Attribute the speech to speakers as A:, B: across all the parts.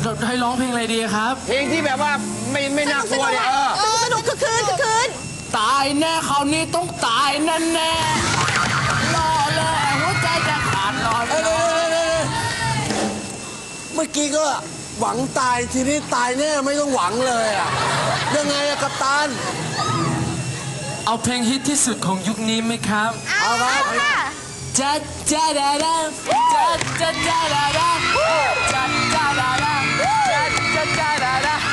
A: ให้ร้องเพลงอะไรดีครับ
B: เพลงที่แบบว่าไม่น่ากลัวเนี่ย
C: สนุกคือคืน
A: ตายแน่คราวนี้ต้องตายแน่แน่รอเลยหัวใจจะขาดรอ
D: เมื่อกี้ก็หวังตายทีนี้ตายแน่ไม่ต้องหวังเลยอะยังไงอะกัปตัน
A: เอาเพลงฮิตที่สุดของยุคนี้ไหมครับ
D: เอาครับ
A: จัดจัดดาดาจัดจัดดาดาจัดจัดดาดาจัดจัดดาดา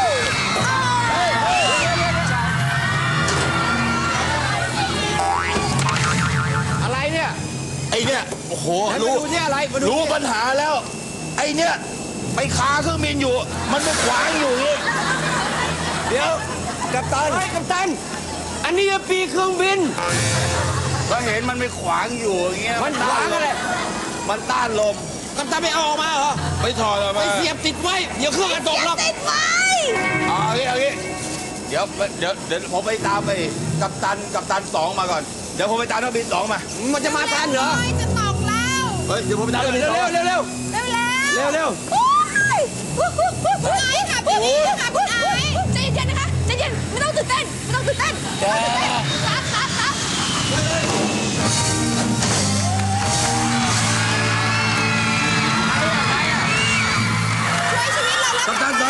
B: อะไรเนี่ย
D: ไอเนี่ยโอ้โห
B: รู้เนี่ยอะไร
D: รู้ปัญหาแล้วไอเนี่ยไปคาเครื่องบินอยู่มันไปขวางอยู่นี่เดี๋ยวกัปตัน
B: กัปตันอันนี้จะปีเครื่องบิน
D: ก็เห็นมันไปขวางอยู่อย่างเงี้ย
B: มันขวางอะไร
D: มันต้านลม
B: กัปตันไม่เอาออกมาเหรอ
D: ไม่ถอดออกมา
B: ไปเสียบติดไว้เดี๋ยวเครื่องกระตกหรอก
C: ติดไว้
D: เอางี้เดี๋ยวผมไปตามไปกัปตัน2มาก่อนเดี๋ยวผมไปตามนักบิน2มา
B: มันจะมาทันเหรอ
C: จะตกแล้ว
D: เดี๋ยวผมไปตามนักบิน2
B: เร็ว
C: คุณไอซ์ค่ะพี่นี่ค่ะคุณไอซ์ใจเย็นนะคะใจเย็นไม่ต้องตื่นเต้นครับช่วยชีวิตเราแล้ว
D: กัปตัน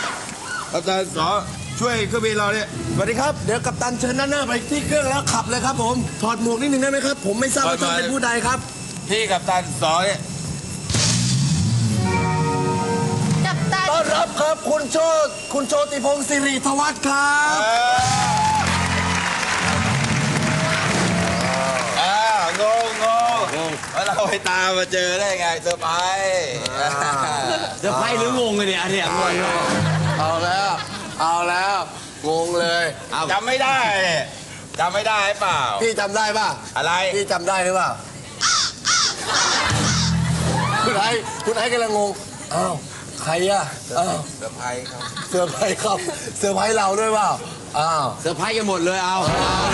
D: 2ช่วยเครื่องบินเราเนี่ยสวัสดีครับเดี๋ยวกัปตันเชิญด้านหน้าไปที่เครื่องแล้วขับเลยครับผมถอดหมวกนิดนึงได้ไหมครับผมไม่ทราบว่าท่านเป็นผู้ใดครับพี่กัปตัน2เนี่ยต้อนรับครับคุณโชติพงศ์สิริธวัฒน์ครับงงแล้วเราไปตามมาเจอได้ไงเซอร์ไพรส์
B: หรืองงเลยเนี่ยอันเนี้ยงงเลย
D: เอาแล้วงงเลย
E: จำไม่ได้เปล่า
D: พี่จำได้ป่ะ
E: อะไร
D: พี่จำได้หรือเปล่าคุณไอ้กำลังงงอ้าวใครอะ
E: เซอร์ไพรส์ครับ
D: เซอร์ไพรส์เราด้วยเปล่าอ้าว
B: เซอร์ไพรส์กันหมดเลยเอา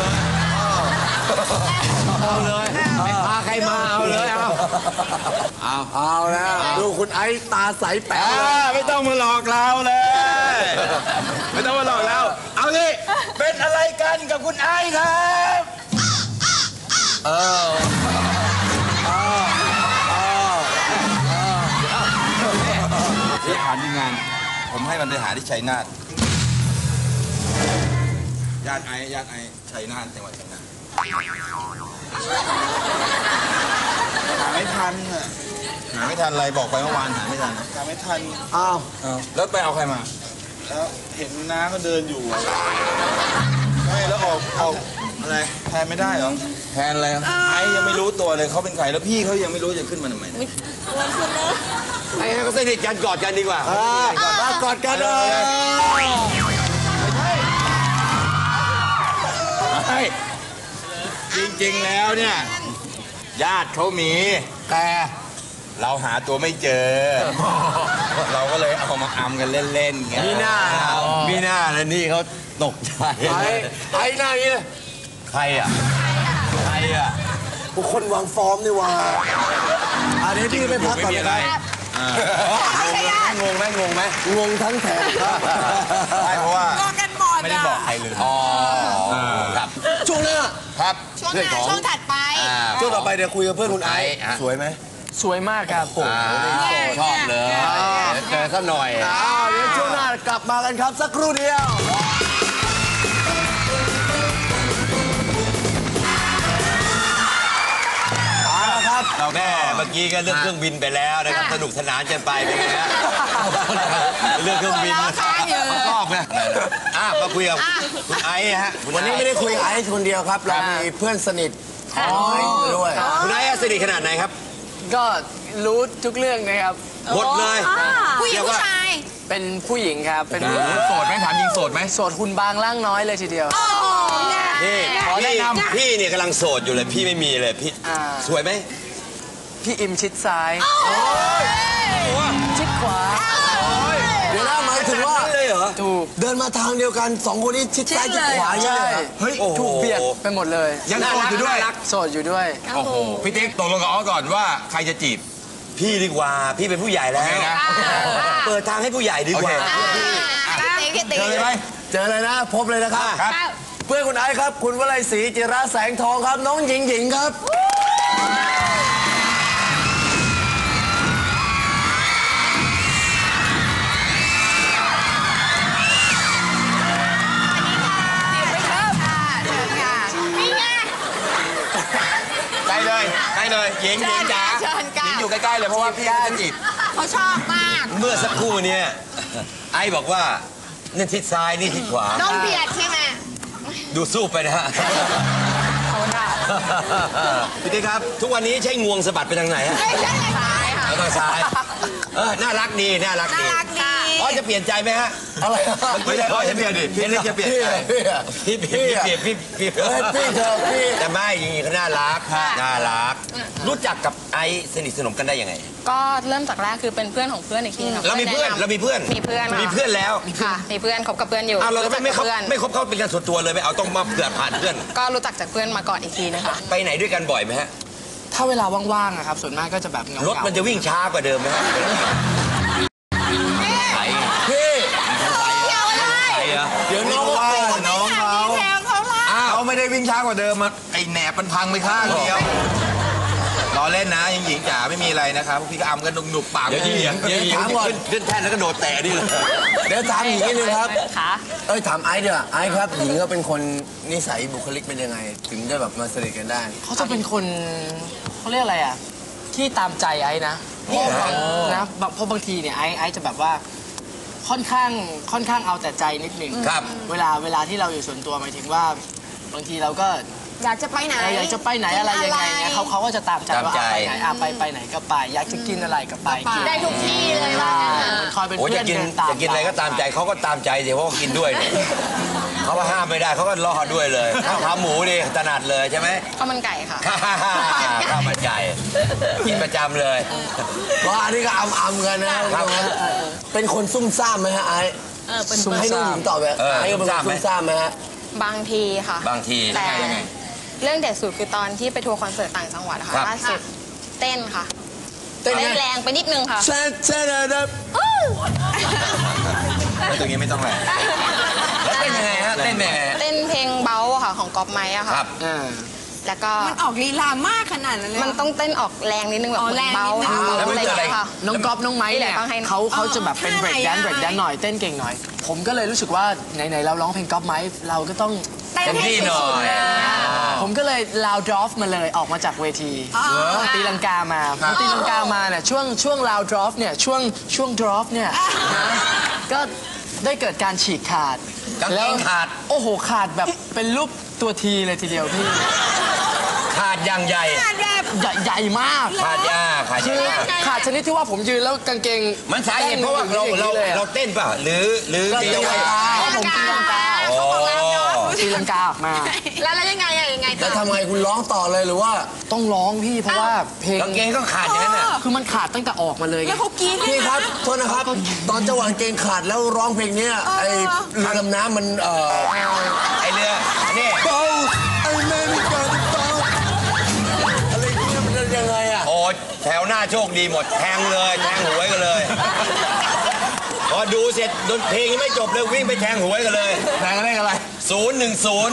B: เลยไม่พาใครมาเอาเลย
D: เอาแล้วดูคุณไอ้ตาใสแป๋ว
E: ไม่ต้องมาหลอกเราเลยไม่ต้องมาหลอกเราเอาสิเป็นอะไรกันกับคุณไอ้ครับที่ฐานที่งานผมให้มันไปหาที่ชัยนาทญาติไอ้ชัยนาทจังหวัดชัยนาทหาไม่ทันอะไรบอกไปเมื่อวานหาไม่ทัน
D: อ้าว
E: แล้วไปเอาใครมาแล้วเห็นน้าก็เดินอยู่ไม่แล้วออกอะไรแทนไม่ได้เหรอ
D: แทนอะไร
E: ไอ้ยังไม่รู้ตัวเลยเขาเป็นใครแล้วพี่เขายังไม่รู้จะขึ้นมาทำไม
B: ไอ้เขาสนิทกันกอดกันดีกว่าก
D: อดกันเลย
E: จริงๆแล้วเนี่ยญาติเขามี
D: แต่
E: เราหาตัวไม่เจอเราก็เลยเอามาอำกันเล่นๆไง
D: มีหน้าแล้วนี่เขาตกใจไอ้หน้านี้
E: ใครอ่ะ
D: ทุกคนวางฟอร์มนี่ว่าอันนี้พี่ไม่พักก่อนเลยงงไหมงงทั้งแถบ
E: ใช่เพราะว่า
C: ไม่
E: ได้บอกใครเลย
D: ครับช่วงหน้า
E: ครับ
C: ช่วงถัดไป
D: ช่วงต่อไปเดี๋ยวคุยกับเพื่อนคุณไอซ์สวยไหม
A: สวยมากครับ
D: ชอบเลยเจอสักหน่อยเดี๋ยวช่วงหน้ากลับมากันครับสักครู่เดียว
E: เราแม่เมื่อกี้ก็เรื่องเครื่องบินไปแล้วนะครับสนุกสนานกันไปเป็นไงฮะเรื่องเครื่องบินชอบนะมาคุยกับคุณไอซ์ฮะ
D: วันนี้ไม่ได้คุยกับไอซ์คนเดียวครับเรามีเพื่อนสนิทด้วย
B: คุณไอซ์สนิทขนาดไหนครับ
A: ก็รู้ทุกเรื่องนะครับ
B: หมดเลย
C: ผู้หญิงผู้ชาย
A: เป็นผู้หญิงครับเป็น
E: โสดไหมถามจริงโสดไหม
A: โสดหุ่นบางร่างน้อยเลยทีเดียว
B: นี่พี่เนี่ยกำลังโสดอยู่เลยพี่ไม่มีเลยพี่สวยไหม
A: พี่อิมชิดซ้ายชิดขวา
D: เดี๋ยวน่าหมายถึงว่า
A: ถูก
D: เดินมาทางเดียวกัน2คนนี้ชิดซ้ายชิดขวาใช่
A: เฮ้ยถูกเบียดไปหมดเลย
E: ยังโสดอยู่ด้วย
A: โสดอยู่ด้วย
E: โอ้โหพี่ติ๊กตกลงกับอ้อก่อนว่าใครจะจีบ
B: พี่ดีกว่าพี่เป็นผู้ใหญ่แล้วเปิดทางให้ผู้ใหญ่ดีกว่า
E: เจอเลยไหม
D: เจอเลยนะพบเลยนะครับ
E: ครับ
D: เพื่อนคุณไอซ์ครับ คุณวลัยศรีจิระแสงทองครับ น้องหญิงครับ
E: ใกล้เลยหญิงจ๋า
C: เชิญค่ะ
E: หญิงอยู่ใกล้ๆเลยเพราะว่าพี่จะจีบ
C: เขาชอบมาก
B: เมื่อสักครู่เนี่ยไอ้บอกว่านี่ทิศซ้ายนี่ทิศขวา
C: น้องเบียดใช่ไหม
B: ดูสู้ไปนะฮะพี่ติ๊กครับ ทุกวันนี้ใช้งวงสะบัดไปทางไหนฮะ
C: ไม่ใช่ซ้ายค่ะ
B: ไปทางซ้ายน่ารักดีน่ารัก
C: น่า
B: ดี
C: รักดี
B: อ๋อจะเปลี่ยนใจไหมฮะ
D: อะไร
B: ไม่ใช่จะเปลี่ยนดิพี่จะเปลี่ยนใจพี่เปลี่ยนพี่
D: เฮ้ยพี่เธอพี่
B: แต่ไม่จริงๆเขาน่ารักน่ารัก รู้จักกับไอซ์สนิทสนมกันได้ยังไง
A: ก็เริ่มจากแรกคือเป็นเพื่อนของเพื่อนอีกทีค่ะ
B: เรามีเพื่อน
A: แะำ
B: เรามีเพื่อน
A: มีเพื่อน
B: มีเพื่อนแล้ว
A: ค่ะมีเพื่อนคบกับเพื่อนอยู่
B: อ้าวเรา
A: รู้จัก
B: ไม่
A: กับ
B: คบ
A: เพื่อน
B: ไม่คบเขาเป็นการส่วนตัวเลยไม่เอาต้องมาเผื่อผ่านเพื่อน
A: ก็รู้จักจากเพื่อนมาก่อนอีกทีนึงค่ะ
B: ไปไหนด้วยกันบ่อยไหมฮะ
F: ถ้าเวลาว่างๆอะครับ ส่วนมากก็จะแบบเงาร
B: ถมันจะวิ่งช้ากว่าเดิมไหมฮะ
D: พี่
B: ไปเหรอ
D: เดี๋ยวน้องก็โกรธ
E: น้องเขา
C: แถวเขาละ
E: เขาไม่ได้วิ่งช้ากว่าเดิมอะไอแหนบมันพังไปข้างเดียวรอเล่นนะหญิงจ๋าไม่มีอะไรนะครับพี่ก็อำกันหนุกๆปาก
B: เดี๋ยวหญิงขึ้นแท่นแล้วก็โดดแตะนี่เลย
D: เดี๋ยวถามหญิงนิดนึงครับ
A: ค่ะ
D: เอ้ยถามไอซ์ดีกว่าไอซ์ครับหญิงก็เป็นคนนิสัยบุคลิกเป็นยังไง ถึงได้แบบมาสนิทกันได้
F: เขาจะเป็นคนเขาเรียกอะไรอ่ะ ที่ตามใจไอ้นะเพราะบางทีเนี่ยไอ้จะแบบว่าค่อนข้างเอาแต่ใจนิดหนึ่ง
B: ครับ
F: เวลาที่เราอยู่ส่วนตัวหมายถึงว่าบางทีเราก็
C: อยากจะไปไหน
F: อยากจะไปไหนอะไรยังไงเนี่ยเขาก็จะตามใจว่า
B: ตามใจ
F: ไปไหนไปไหนก็ไป อยากจะกินอะไรก็ไปกิน
C: ได้ทุกที่เลยว่า
F: ใช่เหมือนคอยเป็น
B: โอ้
F: เพื่
B: จะ
F: อน
B: กิน
F: เดินตาม
B: จะกินอะไรก็ตามใจเขาก็ตามใจสิเพราะว่ากินด้วยเนี่ยเขาก็ห้ามไม่ได้เขาก็รอด้วยเลยข้าวขาหมูดิถนัดเลยใช่ไหม
A: ข้าวมันไก่ค่ะ
B: ข้าวมันไก่กินประจำเลย
D: ว่าอันนี้ก็อำกันนะครับ เป็นคนซุ่มซ่ามไหมฮะไอซ์
A: เป็น
D: ให้น้องหญิงตอบแบบไอซ์ก็เป็นคนซุ่มซ่ามไหมฮะ
A: บางทีค่ะ
B: บางที
A: แต่
B: ยังไง
A: เรื่องเด็ดสุดคือตอนที่ไปทัวร์คอนเสิร์ตต่างจังหวัดอะค่ะ
B: ครับ
A: ล่าสุดเต้นค่ะ
D: เต้นไง
A: เต้นแรงไปนิดนึงค่ะ
D: แซ่ดแซ่ด
E: ตรงนี้ไม่ต้องแหละ
B: แล้วเต้นยังไงฮะเต้นยังไง
A: เต้นเพลงเบาอะค่ะของก๊อปไม้อะ
B: ค
A: ค่ะ
B: รับ
A: แล้วก็
C: มันออกลีลามากขนาดนั้นเลย
A: มันต้องเต้นออกแรงนิดนึงแบบ
C: อ๋อ
A: เหมือนเบา
C: แรงนิดนึง
A: เบา
B: แล้วมัน
A: อะไรอ
B: เกิ
A: ย่า
B: ด
A: ง
B: อะไร
A: เงี้ยค่ะ
F: น้องก๊อฟน้องไม้เนี่ย
A: ต้องให้
F: เขาจะแบบเป็นเบรกแดนหน่อยเต้นเก่งหน่อย ผมก็เลยรู้สึกว่าไหนๆเราร้องเพลงก๊อฟไม้เราก็ต้อง
C: เต้น
B: เต็ม
C: ให้
B: ที่หน่อ
C: สุด
B: ย
F: ผมก็เลยลาวดรอฟมาเลยออกมาจากเวทีตีลังกามาพอตีลังกามาเนี่ยช่วงลาวดรอฟเนี่ยช่วงดรอฟเนี่ยนะก็ได้เกิดการฉีกขาด
B: กางเกงขาด
F: โอ้โหขาดแบบเป็นรูปตัวทีเลยทีเดียวพี่
B: ขาดอย่างใหญ่
F: ใหญ่มาก
B: ขาดยาขาด
F: คือย
B: า
F: ขาดชนิดที่ว่าผมยืนแล้วกางเกง
B: มันสาเหตุเพราะว่าเราเต้นป่ะหรือ
F: ตี
B: ยั
F: ลั
B: ง
F: ง
B: ไง
F: กาผมตีลังกา
B: อ๋อ
F: ตีลังกาออกมา
C: แล้วยังไงยังไง
D: แล้วทำไงคุณร้องต่อเลยหรือว่า
F: ต้องร้องพี่เพราะว่าเพลง
B: กางเกงก็ขาดอย่างนั้นน่ะ
F: คือมันขาดตั้งแต่ออกมาเลยไง
C: แล้วเขากรี๊ดเลย
D: พี่ครับโทษนะครับ ตอนจังหวะเกงขาดแล้วร้องเพลงเนี้ยไอ้เรือดำน้ำมัน
B: ไอเรือนี่
D: เบาไอ้แม่ไม่กันเบาอะไรเงี้ยมันจะยังไงอ่ะ
B: โอ้แถวหน้าโชคดีหมดแทงเลยแทงหวยกันเลยพอดูเสร็จดนเพลงยังไม่จบเลยวิ่งไปแทงหวยกันเลย
E: แรงอะไรอะไร
B: 010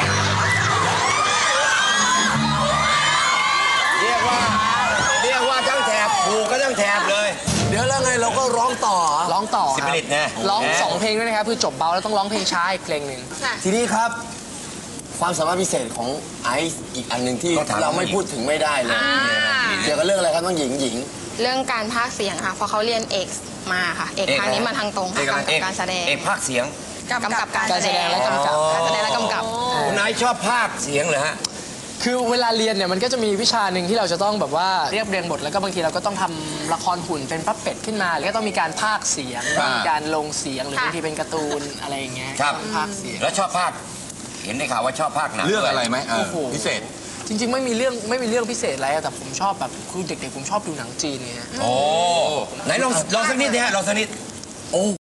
B: เรียกว่าทั้งแถบถูกก็ทั้งแถบเลย
D: เดี๋ยวแล้วไงเราก็ร้องต่อ
F: ร้องต่อ
B: สิบ
F: ครับ
B: ลิตรนะ
F: ร้อง2 เพลงด้วยนะครับคือจบเบาแล้วต้องร้องเพลงช้าอีกเพลงหนึ่ง
D: ทีนี้ครับ ความสามารถพิเศษของไอซ์อีกอันหนึ่งที่เราไม่พูดถึงไม่ได้เลยเกี่ยวกับเรื่องอะไรครับน้องหญิง
A: เรื่องการพากย์เสียงค่ะเพราะเขาเรียนเอกมาค่ะ เอกทางนี้มาทางตรงค่ะกำกับการแสดง
B: เอกภาคเสียง
A: กำกับการ
F: การแสดงและกำกับ
A: การแสดงและกำกับ
B: คุณไอซ์ชอบภาคเสียงเหรอฮะ
F: คือเวลาเรียนเนี่ยมันก็จะมีวิชาหนึ่งที่เราจะต้องแบบว่าเรียบเรียงบทแล้วก็บางทีเราก็ต้องทำละครหุ่นเป็นปั๊บเป็ดขึ้นมาหรือก็ต้องมีการพากย์เสียงมีการลงเสียงหรือบางทีเป็นการ์ตูนอะไรอย่างเงี้ย
B: ครับ
F: พากย์เสียง
B: แล้วชอบภาคเห็นได้ข่าวว่าชอบภาคหนัง
E: เรื่องอะไรไหม
F: โอ้โห
E: พิเศษ
F: จริงๆไม่มีเรื่องพิเศษอะไรอะแต่ผมชอบแบบคือเด็กๆผมชอบดูหนังจีนไงฮะ
B: โอ้ไหนลองสักนิดนะฮะลองสักนิด
D: โอ้